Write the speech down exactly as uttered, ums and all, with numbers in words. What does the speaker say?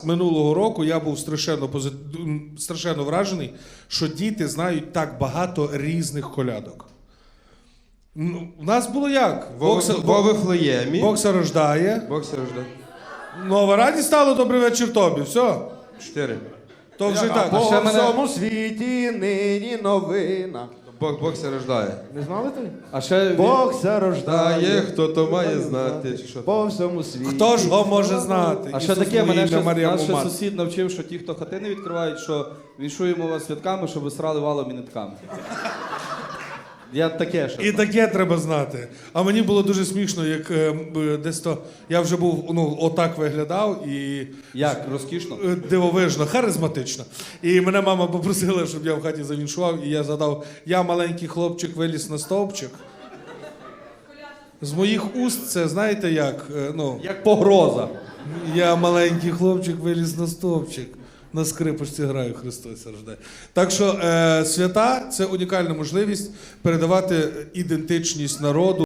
Минулого року я був страшенно, позит... страшенно вражений, що діти знають так багато різних колядок. Ну, у нас було як? Бог в Вифлеємі. Бог се рождає. Бог се рождає. Нова радість стало, добрий вечір тобі. Все. Чотири. То вже А так. по ще мене- всьому світі нині новина. Бог, Бог се рождає. Не знали ти? А ще Бог се Та рождає. є, хто то має знати. Чи що? По всьому світі. Хто ж його може знати? А ще Ісус таке, мене моє ще, ім'я, Марія наш ще Мумат. сусід навчив, що ті, хто хати не відкривають, що віншуємо вас святками, щоб ви срали валом і нитками. Я таке ще. І таке треба знати. А мені було дуже смішно, як е, м, десь то я вже був, ну, отак виглядав і Як? Розкішно? е, дивовижно, харизматично. І мене мама попросила, щоб я в хаті завіншував, і я задав, я маленький хлопчик виліз на стовпчик. З моїх уст це, знаєте як, е, ну, Як погроза. я маленький хлопчик виліз на стовпчик. На скрипочці граю, Христос рождає. Так що е, свята – це унікальна можливість передавати ідентичність народу.